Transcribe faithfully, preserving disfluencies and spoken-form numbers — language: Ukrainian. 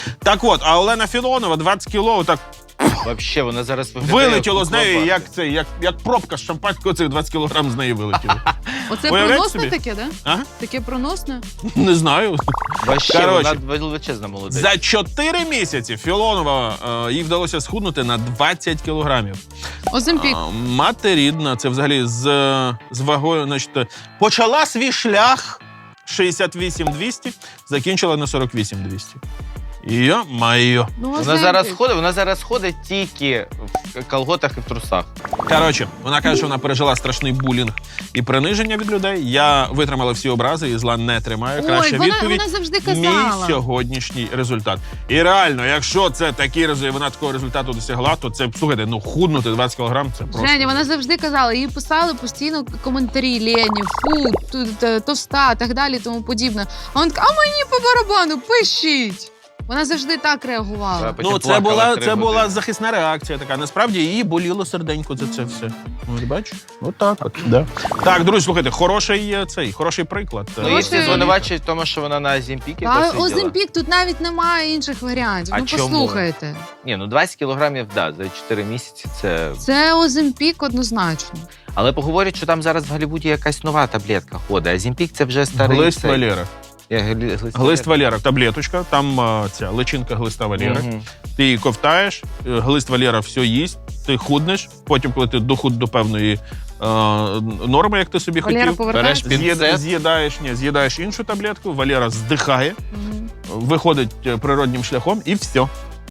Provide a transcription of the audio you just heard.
Так от, а Олена Філонова двадцять кіло так Вообще, вона зараз виглядає вилетіло з неї, кукловато. як, це, як, як пробка з шампанського, цих двадцять кілограм з неї вилетіло. Оце Уявляєте проносне собі? таке, да? Ага. Таке проносне? Не знаю. Вообще, Короче. вона величезна молодець. За чотири місяці Філонова, е, їй вдалося схуднути на двадцять кілограмів. Оземпік. А, Мати рідна, це взагалі з, з вагою, значить, почала свій шлях шістдесят вісім двісті, закінчила на сорок вісім двісті. Йо-майо. Ну, Вона Оземпік. зараз ходить, вона зараз ходить тільки в колготах і в трусах. Коротше, вона каже, що вона пережила страшний булінг і приниження від людей. Я витримала всі образи і зла не тримаю. Краща Ой, вона, відповідь вона завжди – мій казала. сьогоднішній результат. І реально, якщо це такий результат, вона такого результату досягла, то це, слухайте, ну худнути двадцять кілограм – це просто... Женя, вона завжди казала, їй писали постійно коментарі Лені, фу, т- т- товста, так далі, тому подібне. А вона така, а мені по барабану, пишіть. Вона завжди так реагувала. Потім Ну, це плакала була, три це була години. захисна реакція така. Насправді її боліло серденько за це все. Ось бачиш? Отак от. Да. Так, друзі, слухайте, хороший е, цей, хороший приклад. Ну, її всі Хороший- звинувачують в тому, що вона на Оземпікі Та посиділа. Оземпік, тут навіть немає інших варіантів. А ну, чому? послухайте. Ні, ну двадцять кілограмів, да, за чотири місяці це... Це Оземпік однозначно. Але поговорять, що там зараз в Голлівуді якась нова таблетка ходить. Оземпік це вже старий... Глист цей. Валера. Я гли- Глист, Глист Валера, таблеточка, там е, ця личинка глиста Валери. Мгм. Ти її ковтаєш, е, глист Валера все їсть, ти худнеш, потім, коли ти дохуд до певної е, норми, як ти собі Валера хотів, повертається. Береш з'їд- пінцет. з'їдаєш, ні, з'їдаєш іншу таблетку, Валера здихає, Мгм. виходить е, природнім шляхом і все.